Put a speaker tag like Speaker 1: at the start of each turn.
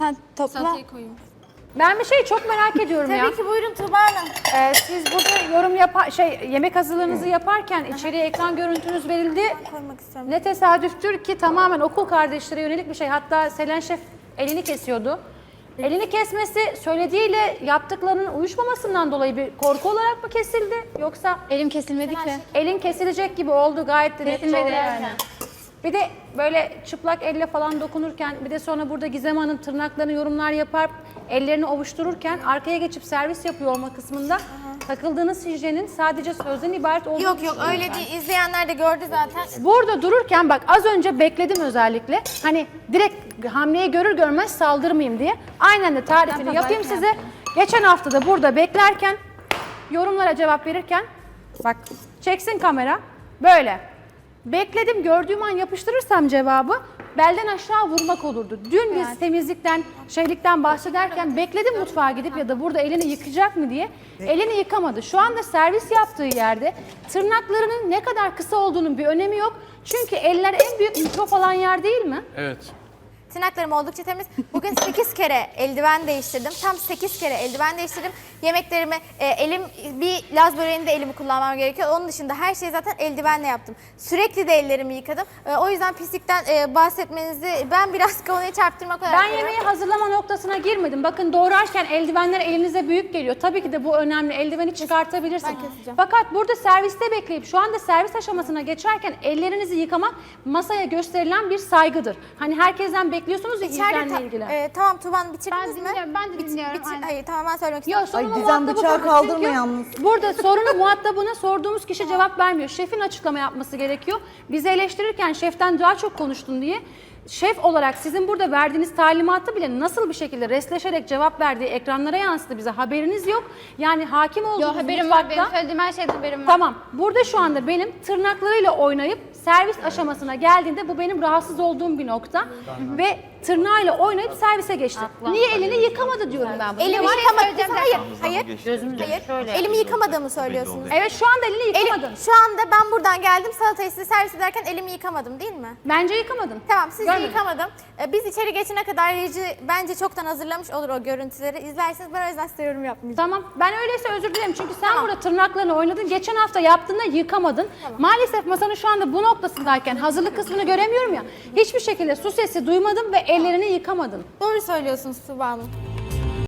Speaker 1: Sen topla.
Speaker 2: Salatayı koyayım.
Speaker 3: Ben bir şey çok merak ediyorum ya.
Speaker 1: Tabii ki buyurun Tuğba Hanım.
Speaker 3: Siz burada yorum yemek hazırlığınızı yaparken içeriye ekran görüntünüz verildi.
Speaker 1: Koymak istiyorum.
Speaker 3: Ne tesadüftür ki tamamen okul kardeşlere yönelik bir şey. Hatta Selen Şef elini kesiyordu. Elini kesmesi söylediğiyle yaptıklarının uyuşmamasından dolayı bir korku olarak mı kesildi? Yoksa
Speaker 2: Elim kesilmedi ki.
Speaker 3: elin kesilecek gibi oldu gayet de net
Speaker 2: Kesilmedi
Speaker 3: oldu
Speaker 2: yani.
Speaker 3: Bir de böyle çıplak elle falan dokunurken bir de sonra burada Gizem Hanım tırnaklarını yorumlar yapar, ellerini ovuştururken arkaya geçip servis yapıyor olma kısmında takıldığınız hijyenin sadece sözden ibaret olduğunu
Speaker 1: Yok
Speaker 3: düşünüyorum
Speaker 1: öyle
Speaker 3: ben.
Speaker 1: değil. İzleyenler de gördü zaten.
Speaker 3: Burada dururken bak az önce bekledim özellikle. Hani direkt hamleyi görür görmez saldırmayayım diye. Aynen de tarifini yapayım size. Geçen hafta da burada beklerken yorumlara cevap verirken bak çeksin kamera böyle. Bekledim gördüğüm an yapıştırırsam cevabı belden aşağı vurmak olurdu. Dün biz temizlikten, şeylikten bahsederken bekledim mutfağa gidip ya da burada elini yıkayacak mı diye. Elini yıkamadı. Şu anda servis yaptığı yerde tırnaklarının ne kadar kısa olduğunun bir önemi yok. Çünkü eller en büyük mikrop alan yer değil mi?
Speaker 4: Evet.
Speaker 1: Tırnaklarım oldukça temiz. Bugün 8 kere eldiven değiştirdim. Tam 8 kere eldiven değiştirdim. Yemeklerimi, elim bir Laz böreğinde elimi kullanmam gerekiyor. Onun dışında her şeyi zaten eldivenle yaptım. Sürekli de ellerimi yıkadım. O yüzden pislikten bahsetmenizi ben biraz konuyu çarptırmak olarak
Speaker 3: Ben
Speaker 1: görüyorum.
Speaker 3: yemeği hazırlama noktasına girmedim. Bakın doğrarken eldivenler elinize büyük geliyor. Tabii ki de bu önemli. Eldiveni çıkartabilirsin.
Speaker 1: Ben keseceğim.
Speaker 3: Fakat burada serviste bekleyip şu anda servis aşamasına geçerken ellerinizi yıkamak masaya gösterilen bir saygıdır. Hani herkesten bekliyorsunuz ya hijyenle ilgili.
Speaker 1: Tamam Tuğba Hanım bitirdiniz mi?
Speaker 2: dinliyorum, ben de dinliyorum, aynen.
Speaker 1: Hayır tamam ben söylemek istiyorum.
Speaker 3: Yok sorunun
Speaker 5: Gizem
Speaker 3: muhatabı
Speaker 5: bıçağı
Speaker 3: bu.
Speaker 5: kaldırma
Speaker 3: Çünkü
Speaker 5: yalnız.
Speaker 3: Burada sorunun muhatabına sorduğumuz kişi cevap vermiyor. Şefin açıklama yapması gerekiyor. Bizi eleştirirken şeften daha çok konuştun diye. Şef olarak sizin burada verdiğiniz talimatı bile nasıl bir şekilde restleşerek cevap verdiği ekranlara yansıdı bize haberiniz yok. Yani hakim olduğunuz
Speaker 2: Yok haberim var.
Speaker 3: mutfakta...
Speaker 2: Benim söylediğim her şeyden haberim var.
Speaker 3: Tamam. Burada şu anda benim tırnaklarıyla oynayıp servis aşamasına geldiğinde bu benim rahatsız olduğum bir nokta. Ve tırnağıyla oynayıp servise geçti. Niye elini yıkamadı diyorum ben bunu.
Speaker 1: Elimi
Speaker 2: Bir şey
Speaker 1: yıkamadım.
Speaker 2: söyleyeceğim.
Speaker 1: Hayır. Hayır. Elimi yıkamadığımı söylüyorsunuz.
Speaker 3: Evet şu anda elini yıkamadın.
Speaker 1: Şu anda ben buradan geldim salatayı size servis ederken elimi yıkamadım değil mi?
Speaker 3: Bence yıkamadın.
Speaker 1: Tamam siz de
Speaker 3: Görmedim.
Speaker 1: yıkamadım. Biz içeri geçene kadar reji bence çoktan hazırlamış olur o görüntüleri. İzlersiniz ben o yüzden size yorum yapmayacağım.
Speaker 3: Tamam. Ben öyleyse özür dilerim. Çünkü sen burada tırnaklarını oynadın. Geçen hafta yaptığında yıkamadın. Maalesef masanın şu anda bu noktasındayken hazırlık kısmını göremiyorum ya. Hiçbir şekilde su sesi duymadım ve ellerini yıkamadın.
Speaker 1: Doğru söylüyorsunuz Tuğba Hanım.